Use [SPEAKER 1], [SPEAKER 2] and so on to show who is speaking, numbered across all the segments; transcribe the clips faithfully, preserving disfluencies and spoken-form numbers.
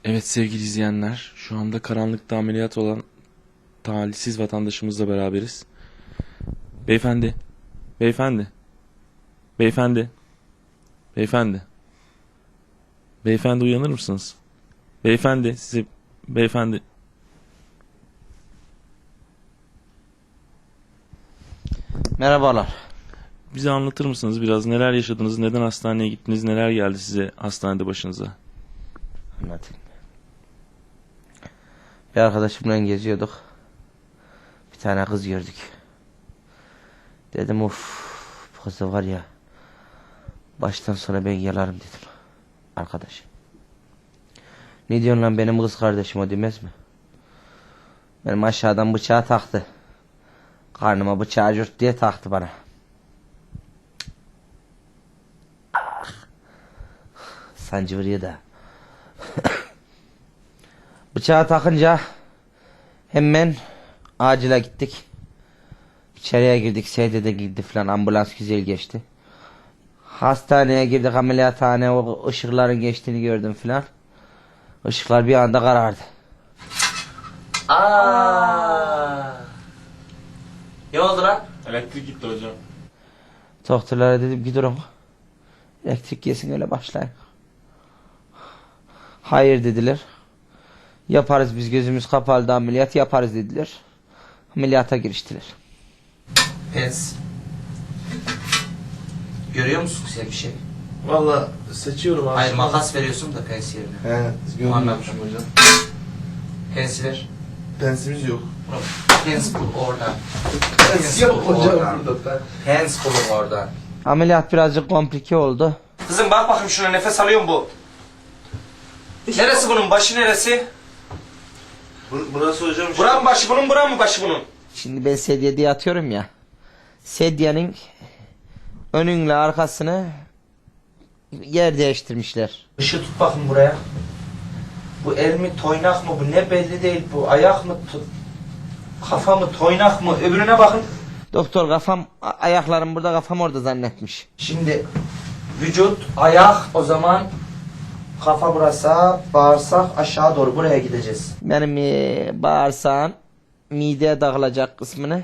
[SPEAKER 1] Evet sevgili izleyenler, şu anda karanlıkta ameliyat olan talihsiz vatandaşımızla beraberiz. Beyefendi, beyefendi, beyefendi, beyefendi, beyefendi uyanır mısınız? Beyefendi, size, beyefendi.
[SPEAKER 2] Merhabalar.
[SPEAKER 1] Bize anlatır mısınız biraz neler yaşadınız, neden hastaneye gittiniz, neler geldi size hastanede başınıza?
[SPEAKER 2] Anlatayım. Bir arkadaşımla geziyorduk. Bir tane kız gördük. Dedim of, bu kız da var ya, baştan sona ben yalarım dedim. Arkadaş. Ne diyorsun lan, benim kız kardeşim o demez mi? Benim aşağıdan bıçağı taktı. Karnıma bıçağı cürt diye taktı bana. Sancı vuruyor da. Bıçağı takınca hemen acile gittik. İçeriye girdik, sedyede girdi falan, ambulans güzel geçti. Hastaneye girdik, ameliyathane, o ışıkların geçtiğini gördüm falan. Işıklar bir anda karardı. Aa! Ne oldu lan?
[SPEAKER 1] Elektrik gitti hocam.
[SPEAKER 2] Doktorlara dedim ki durun. Elektrik yesin öyle başlayın. Hayır dediler. Yaparız biz, gözümüz kapalı da ameliyat yaparız dediler. Ameliyata giriştiler. Pens. Görüyor musun sen bir şey?
[SPEAKER 3] Valla seçiyorum abi.
[SPEAKER 2] Hayır, makas veriyorsun da pens yerine.
[SPEAKER 3] He, görmüyormuşum hocam.
[SPEAKER 2] Pens ver.
[SPEAKER 3] Pensimiz yok.
[SPEAKER 2] Pens bul oradan.
[SPEAKER 3] Pens yok hocam burada.
[SPEAKER 2] Pens bulun oradan. Ameliyat birazcık komplike oldu. Kızım bak bakayım şuna, nefes alıyor mu bu? Neresi bunun, başı neresi?
[SPEAKER 3] Bur burası hocam.
[SPEAKER 2] Buran mı başı bunun, buran mı başı bunun? Şimdi ben sedyede yatıyorum ya. Sedyenin önünle arkasını yer değiştirmişler. Işığı tut bakın buraya. Bu el mi, toynak mı bu, ne belli değil bu. Ayak mı, kafa mı, toynak mı, öbürüne bakın. Doktor kafam, ayaklarım burada, kafam orada zannetmiş. Şimdi vücut, ayak, o zaman kafa burası, bağırsak aşağı doğru, buraya gideceğiz. Benim e, bağırsağın mideye dağılacak kısmını.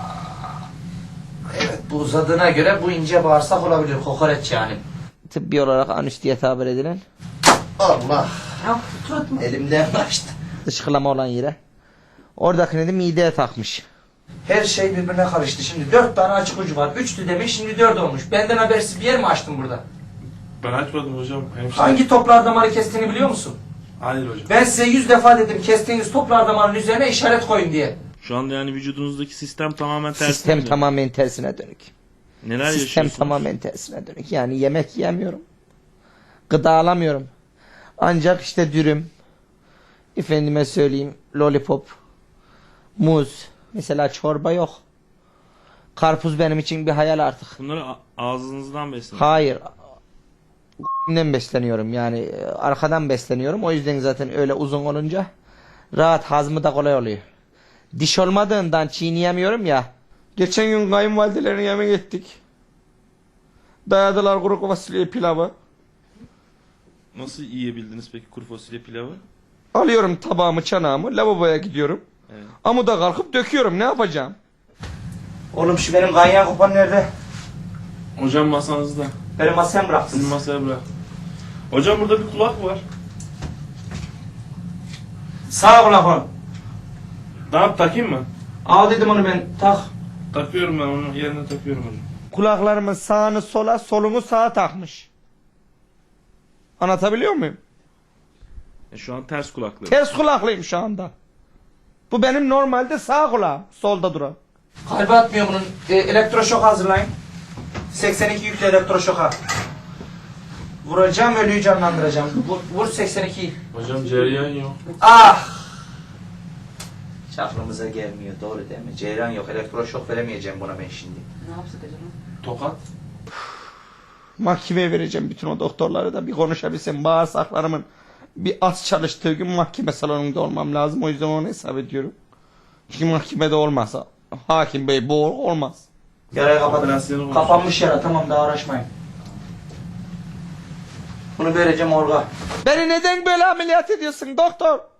[SPEAKER 2] Evet, bu uzadığına göre bu ince bağırsak olabilir, kokoreç yani. Tıbbi olarak anüs diye tabir edilen. Allah! Elimden kaçtı. Dışkılama olan yere. Oradakini de mideye takmış. Her şey birbirine karıştı. Şimdi dört tane açık ucu var. Üçtü demiş, şimdi dört olmuş. Benden habersiz bir yer mi açtın burada?
[SPEAKER 1] Ben açmadım hocam. Hemşire.
[SPEAKER 2] Hangi toplar damarı kestiğini biliyor musun?
[SPEAKER 1] Hayır hocam.
[SPEAKER 2] Ben size yüz defa dedim, kestiğiniz toplar damarının üzerine işaret koyun diye.
[SPEAKER 1] Şu anda yani vücudunuzdaki sistem tamamen tersine
[SPEAKER 2] Sistem
[SPEAKER 1] dönük.
[SPEAKER 2] tamamen tersine dönük.
[SPEAKER 1] Neler
[SPEAKER 2] Sistem
[SPEAKER 1] yaşıyorsunuz?
[SPEAKER 2] tamamen tersine dönük. Yani yemek yiyemiyorum. Gıda alamıyorum. Ancak işte dürüm, efendime söyleyeyim lollipop, muz, mesela çorba yok. Karpuz benim için bir hayal artık.
[SPEAKER 1] Bunları a- ağzınızdan besleyin.
[SPEAKER 2] Hayır. Ben besleniyorum yani, e, arkadan besleniyorum. O yüzden zaten öyle uzun olunca rahat, hazmı da kolay oluyor. Diş olmadığından çiğneyemiyorum ya. Geçen gün kayınvalidelerini yemek ettik. Dayadılar kuru fasulye pilavı.
[SPEAKER 1] Nasıl yiyebildiniz peki kuru fasulye pilavı?
[SPEAKER 2] Alıyorum tabağımı, çanağımı, lavaboya gidiyorum.
[SPEAKER 1] Evet.
[SPEAKER 2] Amuda kalkıp döküyorum, ne yapacağım? Oğlum şu benim ganyan kupan nerede?
[SPEAKER 1] Hocam masanızda.
[SPEAKER 2] Benim masaya bıraktın.
[SPEAKER 1] Sizin masaya bırak. Hocam burada bir kulak var.
[SPEAKER 2] Sağ kulak on.
[SPEAKER 1] Ne yap, takayım mı?
[SPEAKER 2] Al dedim onu ben, tak.
[SPEAKER 1] Takıyorum ben onu, yerine takıyorum hocam.
[SPEAKER 2] Kulaklarımın sağını sola, solumu sağa takmış. Anlatabiliyor muyum?
[SPEAKER 1] E şu an ters kulaklı.
[SPEAKER 2] Ters kulaklıyım şu anda. Bu benim normalde sağ kulağım, solda duran. Kalbi atmıyor bunun. E, elektroşok hazırlayın. seksen iki yüklü elektroşoka. Vuracağım, ölüyü canlandıracağım. Vur, vur seksen ikiyi.
[SPEAKER 1] Hocam cereyan yok.
[SPEAKER 2] Ah! Hiç aklımıza gelmiyor, doğru değil mi? Ceyran yok, elektroşok veremeyeceğim buna ben şimdi.
[SPEAKER 4] Ne yapsak acaba?
[SPEAKER 1] Tokat.
[SPEAKER 2] Mahkemeye vereceğim bütün o doktorları da, bir konuşabilsem. Bağırsaklarımın bir az çalıştığı gün mahkeme salonunda olmam lazım. O yüzden onu hesap ediyorum. Çünkü mahkemede olmazsa hakim bey bu olmaz. Yarayı kapatın.
[SPEAKER 1] Operasyonu
[SPEAKER 2] Kapanmış yara, tamam, daha uğraşmayın. Bunu vereceğim orga. Beni neden böyle ameliyat ediyorsun doktor?